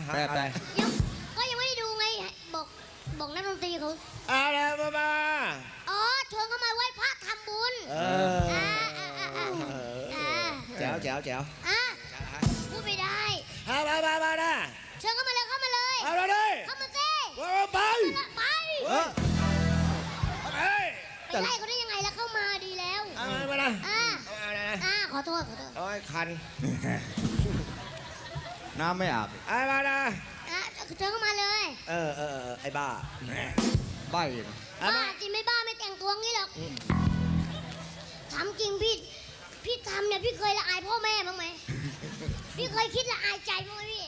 แปลก็ยังไม่ได้ดูไงบอกนักดนตรีเขาอะไรมาอ๋อชวนเขามาไหว้พระทำบุญแจ๋วพูดไม่ได้มานะเชิญเข้ามาเลยเข้ามาเลยเอาเลยเข้ามาสิไปไปไล่เขาได้ยังไงแล้วเข้ามาดีแล้วมานะขอโทษโอ้ยคันน้ำไม่อาบมานะเชิญเข้ามาเลยไอ้บ้าใบบ้าจริงไม่บ้าไม่แต่งตัวงี้หรอกถามจริงพี่ทำเนี่ยพี่เคยละอายพ่อแม่บ้างไหมพี่เคยคิดละอายใจบ้างไหมพี่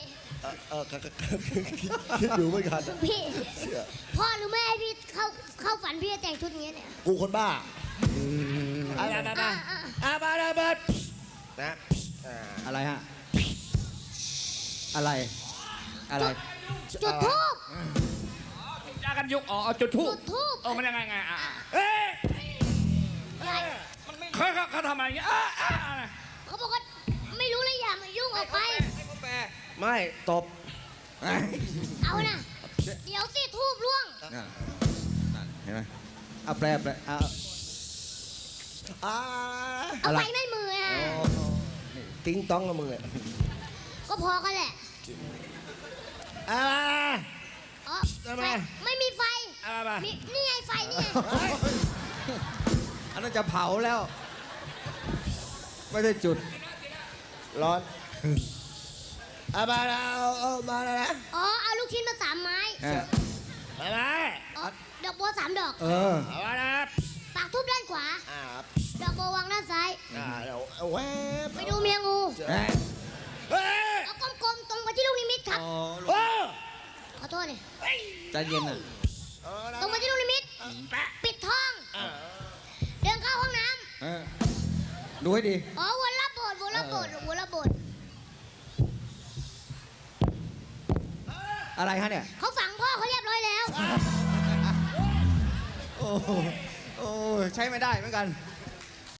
คิดอยู่เหมือนกันพี่พ่อหรือแม่ให้พี่เข้าฝันพี่จะแต่งชุดอย่างเงี้ยเนี่ยกูคนบ้ามาเลยเบิร์ดนะอะไรฮะอะไรจุดทูบจ้ากันยุกเอาจุดทูบ มันยังไงเฮ้ยเขาทำอะไรอย่างเงี้ยเขาบอกว่าไม่รู้เลยอย่ามายุ่งออกไปไม่ตบเอานะเดี๋ยวสิทูบล่วงเห็นไหมเอาแปลเอาเอาไปไม่มือฮะติ้งต้องกับมึงเลยก็พอกันแหละไม่มีไฟนี่ไงไฟนี่ไงอันนั้นจะเผาแล้ว ไม่ได้จุดร้อนมาแล้วมาแล้วนะเอาลูกชิ้นมา3 ไม้ดอกบัว3 ดอกมาแล้วปากทุบด้านขวาดอกบัววางด้านซ้ายแวบไปดูเมียงูเฮ้ยเอากลมๆตรงไปที่ลูกนิมิตครับขอโทษเลยใจเย็นอ่ะตรงไปที่ลูกนิมิตปิดท้องเดินเข้าห้องน้ำดูให้ดีวนรอบโบสถ์วนรอบโบสถ์วนรอบโบสถ์อะไรฮะเนี่ยเขาฝังพ่อเขาเรียบร้อยแล้วโอ้ใช้ไม่ได้เหมือนกัน